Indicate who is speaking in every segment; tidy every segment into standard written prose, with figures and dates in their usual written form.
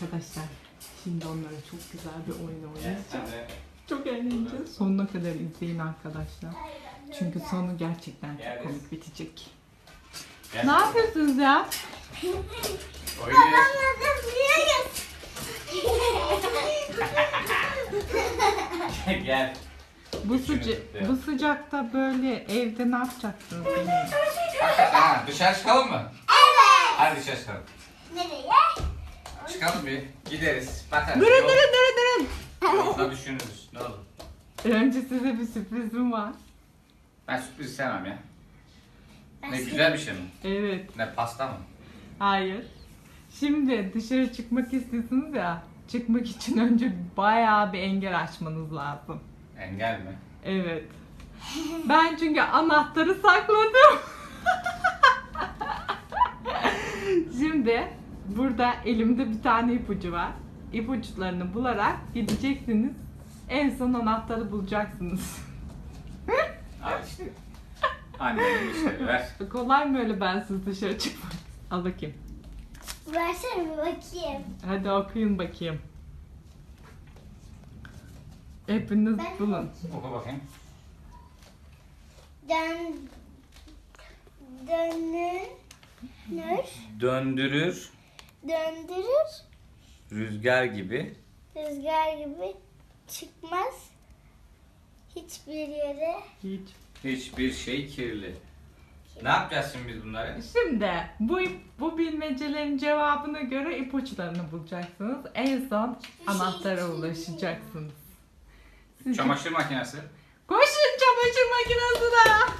Speaker 1: Arkadaşlar şimdi onlara çok güzel bir oyun oynayacağız. Çok eğleneceğiz. Sonuna kadar izleyin arkadaşlar. Çünkü sonu gerçekten çok komik bitecek. Ne yapıyorsunuz ya?
Speaker 2: Gel.
Speaker 1: Bu sıcakta böyle evde ne yapacaksınız?
Speaker 2: Ha, dışarı çıkalım mı? Evet. Hadi dışarı çıkalım.
Speaker 3: Nereye?
Speaker 2: Çıkalım bir. Gideriz. Bakarız.
Speaker 1: Durun.
Speaker 2: Yolda düşünürüz. Ne olur.
Speaker 1: Önce size bir sürprizim var.
Speaker 2: Ben sürpriz sevmem ya. Ne güzel bir şey mi?
Speaker 1: Evet.
Speaker 2: Ne pasta mı?
Speaker 1: Hayır. Şimdi dışarı çıkmak istiyorsunuz ya. Çıkmak için önce bayağı bir engel açmanız lazım.
Speaker 2: Engel mi?
Speaker 1: Evet. Ben çünkü anahtarı sakladım. Şimdi burada elimde bir tane ipucu var. İpuçlarını bularak gideceksiniz. En son anahtarı bulacaksınız.
Speaker 2: Al işte. Annenin işleri ver.
Speaker 1: Kolay mı öyle bensiz dışarı çıkmak? Al bakayım.
Speaker 3: Versene bir bakayım.
Speaker 1: Hadi okuyun bakayım. Hepiniz
Speaker 3: Ben-
Speaker 1: bulun.
Speaker 2: Oku bakayım. Döndürür,
Speaker 3: Döndürür,
Speaker 2: rüzgar gibi.
Speaker 3: rüzgar gibi çıkmaz hiçbir yere.
Speaker 1: Hiç.
Speaker 2: Hiçbir şey kirli. Ne yapacağız şimdi biz bunları?
Speaker 1: Şimdi bu bilmecelerin cevabına göre ipuçlarını bulacaksınız. En son anahtara ulaşacaksınız. Siz
Speaker 2: Çamaşır makinesi.
Speaker 1: koşun çamaşır makinesine.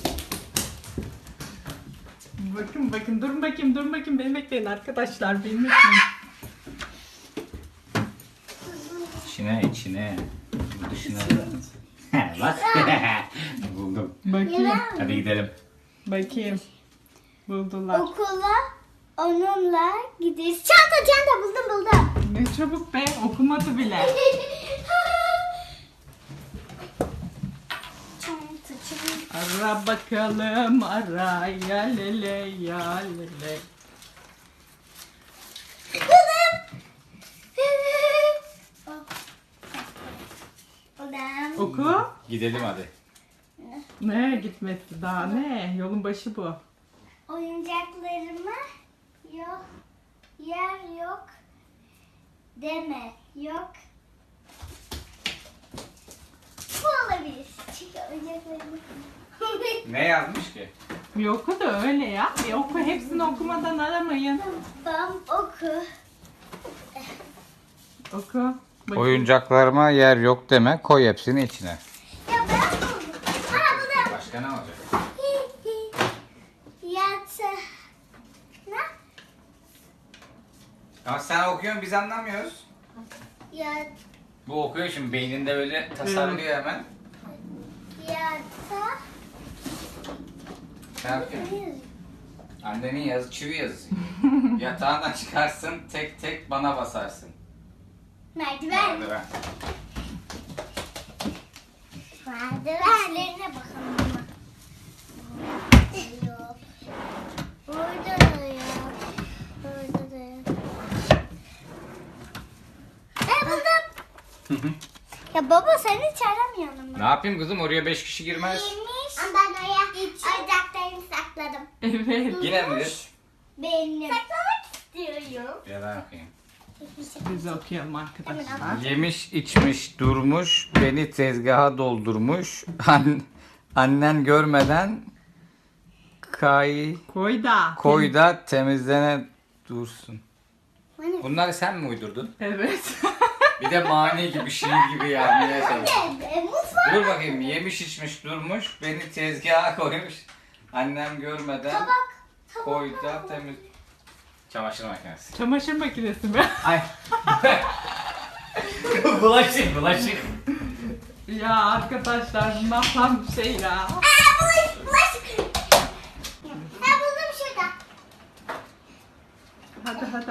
Speaker 1: Bakın durun bakayım beni bekleyin arkadaşlar beni bekleyin.
Speaker 2: İçine. Dışına. Bak. Buldum.
Speaker 1: Bakayım.
Speaker 2: Hadi gidelim.
Speaker 1: Bakayım. Buldular.
Speaker 3: Okula onunla gideriz. Çanta buldum.
Speaker 1: Ne çabuk be okumadı bile.
Speaker 3: Çanta.
Speaker 1: Ara bakalım ara ya lele ya lele.
Speaker 3: Buldum.
Speaker 1: Oku.
Speaker 2: Gidelim hadi.
Speaker 1: Ne gitmesi daha ne? Yolun başı bu.
Speaker 3: Oyuncaklarıma yok, yer yok deme, yok. Bu olabilir. Çünkü oyuncaklarımı...
Speaker 2: Ne yazmış ki?
Speaker 1: Bir oku da öyle ya. Bir oku hepsini okumadan aramayın.
Speaker 3: Bam oku.
Speaker 1: Oku. Bakayım.
Speaker 2: Oyuncaklarıma yer yok deme. Koy hepsini içine.
Speaker 3: Ya ben buldum. Aa buldum.
Speaker 2: Başka ne olacak?
Speaker 3: Yatı. Ne?
Speaker 2: Ama sen okuyorsun biz anlamıyoruz.
Speaker 3: Yat.
Speaker 2: Bu okuyor şimdi beyninde böyle tasarlıyor hemen.
Speaker 3: Yata.
Speaker 2: Sen yapıyorsun. Annenin yazı çivi yazısı. Yatağından çıkarsın tek tek bana basarsın.
Speaker 3: Merdiven.
Speaker 2: Merdiven.
Speaker 3: Merdivenlerine bakalım. Yok. Burada da yok. Burada da yok. Buldum. Ya baba sen hiç aramıyorsun
Speaker 2: Ne
Speaker 3: ama.
Speaker 2: yapayım kızım oraya 5 kişi girmez.
Speaker 3: Ama ben oraya oyuncaklarımı sakladım.
Speaker 1: Evet.
Speaker 2: Yine midir?
Speaker 3: Benim. Saklamak istiyorum.
Speaker 2: Ya ben okuyayım.
Speaker 1: Biz okuyalım arkadaşlar.
Speaker 2: Yemiş içmiş durmuş beni tezgaha doldurmuş annen görmeden koy da temizlene dursun. Bunları sen mi uydurdun?
Speaker 1: Evet.
Speaker 2: Bir de mani gibi şiir gibi yazmaya çalıştın.
Speaker 3: Mutfak.
Speaker 2: Dur bakayım yemiş içmiş durmuş beni tezgaha koymuş annem görmeden
Speaker 3: Tabak.
Speaker 2: koy da temiz. Çamaşır makinesi.
Speaker 1: Çamaşır makinesi mi?
Speaker 2: Ay. bulaşık.
Speaker 1: Ya arkadaşlar bu nasıl bir şey ya?
Speaker 3: Bulaşık. Ha buldum şurada.
Speaker 1: Hadi.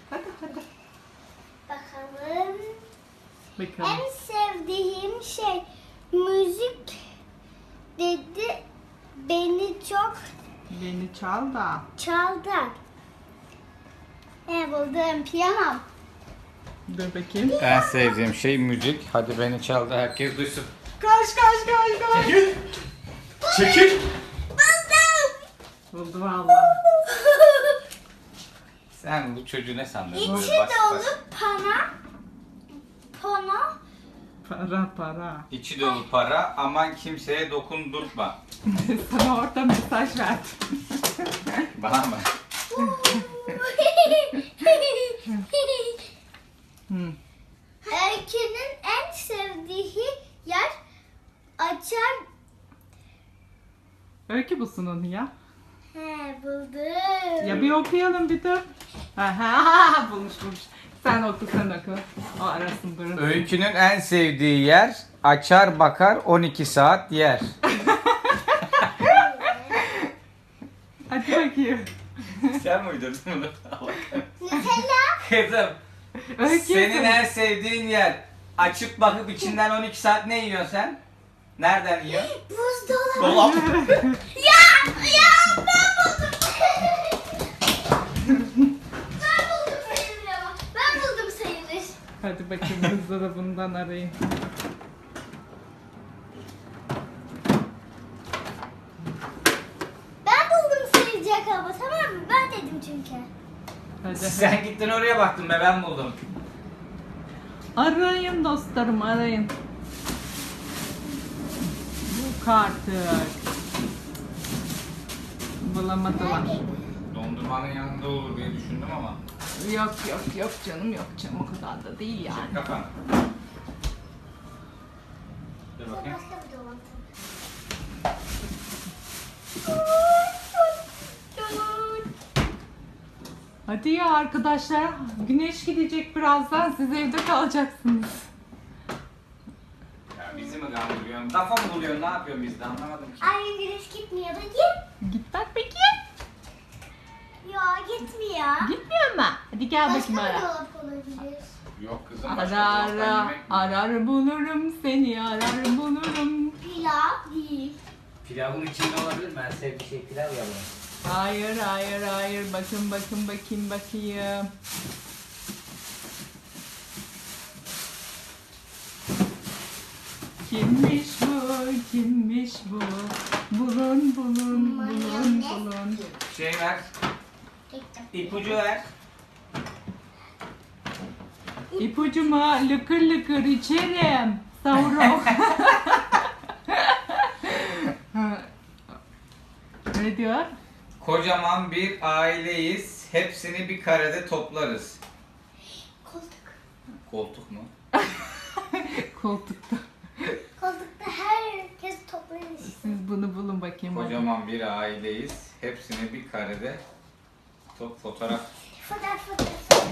Speaker 3: Bakalım.
Speaker 1: Bakalım.
Speaker 3: En sevdiğim şey müzik dedi. Beni çok
Speaker 1: Beni çal da.
Speaker 3: çaldı. Buldum piyano.
Speaker 1: Dur bakayım.
Speaker 2: En sevdiğim şey müzik. Hadi beni çal da herkes duysun.
Speaker 1: Kaç.
Speaker 2: Çekil.
Speaker 1: Buldu vallahi.
Speaker 2: Sen bu çocuğu ne sandın?
Speaker 3: İçi
Speaker 2: Böyle basit
Speaker 3: dolu
Speaker 2: basit.
Speaker 1: Para.
Speaker 2: İçi dolu para, aman kimseye dokundurtma.
Speaker 1: Sana orada mesaj verdim.
Speaker 2: Bana mı?
Speaker 3: Öykünün en sevdiği yer açar.
Speaker 1: Öykü bulsun onu ya.
Speaker 3: He buldum.
Speaker 1: Ya bir okuyalım bir dur. Ha, bulmuş. Sen oku. O arasın durun.
Speaker 2: Öykünün en sevdiği yer, açar bakar 12 saat yer.
Speaker 1: Hadi bakayım.
Speaker 2: Sen mi uydurdun bunu?
Speaker 3: Nutella.
Speaker 2: Kızım,
Speaker 1: Öykü.
Speaker 2: senin en sevdiğin yer, açıp bakıp içinden 12 saat ne yiyorsun sen? Nereden yiyorsun?
Speaker 3: Buzdolabı.
Speaker 2: Dolap.
Speaker 3: Ya ben buldum. sayılır ama. Ben buldum sayılır.
Speaker 1: Hadi bakayım buzdolabından arayın.
Speaker 3: Ben buldum sayılacak ama tamam mı? Ben dedim çünkü.
Speaker 1: Hadi.
Speaker 2: Sen gittin oraya baktın be, ben buldum.
Speaker 1: Arayın dostlarım arayın. Yok artık. Bulamadılar.
Speaker 2: Dondurmanın yanında olur diye düşündüm ama.
Speaker 1: Yok canım o kadar da değil yani.
Speaker 2: Çek kafanı. Dur bakayım.
Speaker 3: Başka bir dolap.
Speaker 1: Hadi ya arkadaşlar güneş gidecek birazdan siz evde kalacaksınız.
Speaker 2: Ya bizi mi kandırıyorsun? Kafa mı buluyorsun? Ne yapıyorsun biz de anlamadım ki.
Speaker 3: Ay güneş gitmiyor da git.
Speaker 1: Git bak peki.
Speaker 3: Ya gitmiyor.
Speaker 1: Gitmiyor mu? Hadi gel
Speaker 3: Başka
Speaker 1: bakayım
Speaker 3: bir
Speaker 1: ara.
Speaker 3: dolap olabilir.
Speaker 2: Yok kızım.
Speaker 1: Ara
Speaker 2: başka dolaptan
Speaker 1: ara
Speaker 2: yemek mi?
Speaker 1: arar bulurum seni arar bulurum.
Speaker 3: Pilav değil.
Speaker 2: Pilavın içinde olabilir mi? En sevdiği şey pilav ya bunun.
Speaker 1: Hayır bakın bakayım. Kimmiş bu? Bulun.
Speaker 2: Şey ver.
Speaker 3: Gittim.
Speaker 2: İpucu ver.
Speaker 1: İpucuma lıkır içerim. Savrum. Ne diyor?
Speaker 2: Kocaman bir aileyiz. Hepsini bir karede toplarız.
Speaker 3: Koltuk.
Speaker 2: Koltuk mu?
Speaker 1: Koltukta.
Speaker 3: Koltukta herkes toplanır.
Speaker 1: Siz bunu bulun bakayım.
Speaker 2: Kocaman bir aileyiz. Hepsini bir karede fotoğraf.
Speaker 3: Fotoğraf.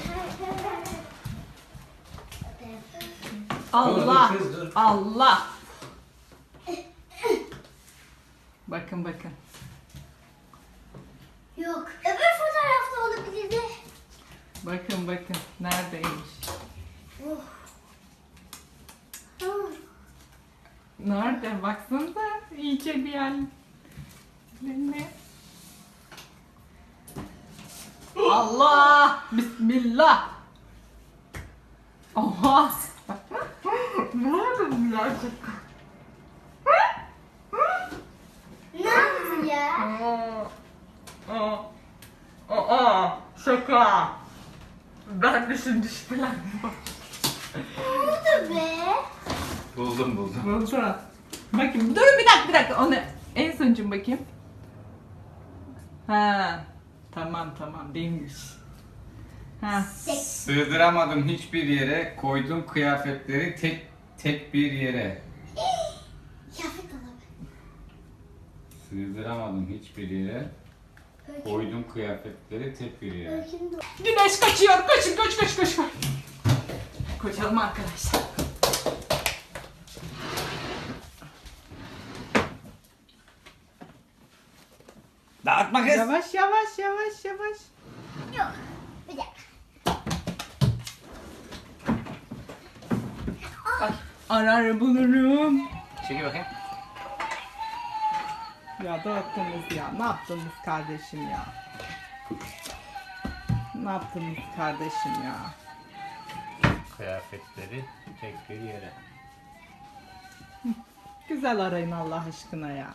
Speaker 1: Allah.
Speaker 2: Dur, kız, dur.
Speaker 1: Allah. Bakın.
Speaker 3: Yok. Öbür fotoğrafta olabilirdi.
Speaker 1: Bakın. Neredeymiş? Nerede? Baksanıza. İyice bir yerlerine. Allah. Bismillah. Oha. Nerede bu gerçekten?
Speaker 3: Ne yaptın ya?
Speaker 1: Şaka. Ben de şimdi şüphelendim.
Speaker 3: Oldu be.
Speaker 2: Buldum.
Speaker 1: Buldu. Bakayım. Dur bir dakika. Onu en sonucum bakayım. Ha. Tamam değilmiş. Ha.
Speaker 2: Sığdıramadım hiçbir yere. Koydum kıyafetleri tek bir yere.
Speaker 3: Kıyafet dolabı.
Speaker 2: Sığdıramadım hiçbir yere. Koydum kıyafetleri tek bir yere.
Speaker 3: Öykünün dolabı.
Speaker 1: Güneş kaçıyor. Koş. Koşalım arkadaşlar.
Speaker 2: Dağıtma kız.
Speaker 1: Yavaş.
Speaker 3: Yok. Bir dakika.
Speaker 1: Arar bulurum.
Speaker 2: Çekil bakayım.
Speaker 1: Ya dağıttınız ya. Ne yaptınız kardeşim ya?
Speaker 2: kıyafetleri tek bir yere.
Speaker 1: Güzel arayın Allah aşkına ya.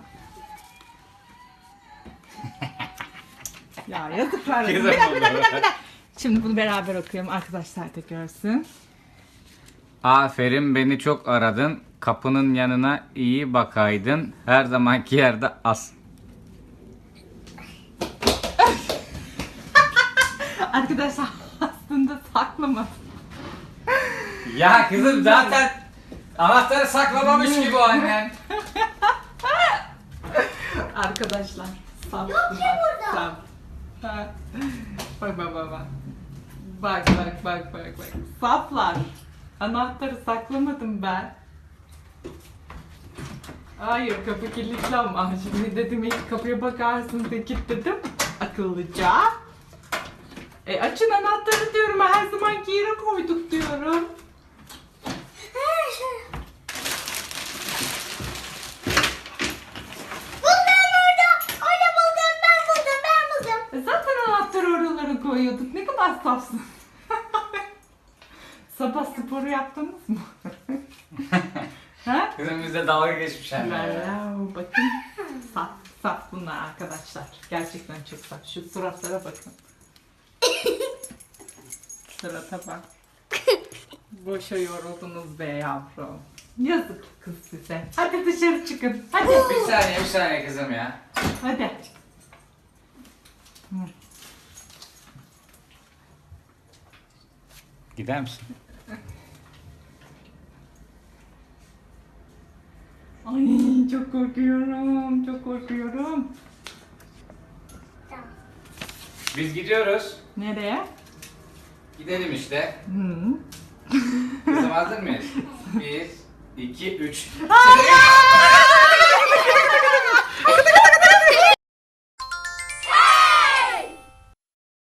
Speaker 1: Ya yazıklar olsun.
Speaker 2: Güzel
Speaker 1: Bir dakika,
Speaker 2: oldu.
Speaker 1: bir dakika, bir dakika, bir dakika. Şimdi bunu beraber okuyalım. Arkadaşlar da görsün.
Speaker 2: Aferin, beni çok aradın. Kapının yanına iyi bakaydın. Her zamanki yerde as.
Speaker 1: Arkadaşlar aslında saklama.
Speaker 2: Ya kızım zaten anahtarı saklamamış gibi o annen.
Speaker 1: Arkadaşlar saf
Speaker 3: Yok ki
Speaker 1: bunlar,
Speaker 3: burada.
Speaker 1: saf. Ha. Bak bak bak bak. Bak bak bak bak bak. Saflar. Anahtarı saklamadım ben. Hayır, kapı kilitli ama şimdi dedim ilk kapıya bakarsın de kilitledim akıllıca. Açın anahtarı diyorum, her zamanki yere koyduk diyorum.
Speaker 3: Buldum orada. Orada buldum. Ben buldum.
Speaker 1: Zaten anahtarı oralara koyuyorduk. Ne kadar safsın. Sabah sporu yaptınız mı? Ha?
Speaker 2: Kızım bizde dalga geçmişler.
Speaker 1: Wow, bakın. Saf, saf bunlar arkadaşlar. Gerçekten çok saf. Şu suratlara bakın. Surata bak. Boşa yoruldunuz be yavrum. Yazık kız size. Hadi dışarı çıkın. Hadi.
Speaker 2: Bir saniye kızım ya.
Speaker 1: Hadi.
Speaker 2: Gider misin?
Speaker 1: Ay çok korkuyorum. Çok korkuyorum.
Speaker 3: Tamam.
Speaker 2: Biz gidiyoruz.
Speaker 1: Nereye?
Speaker 2: Gidelim işte.
Speaker 1: Hı.
Speaker 2: Kızım hazır mıyız? 1, 2, 3.
Speaker 1: Hayır!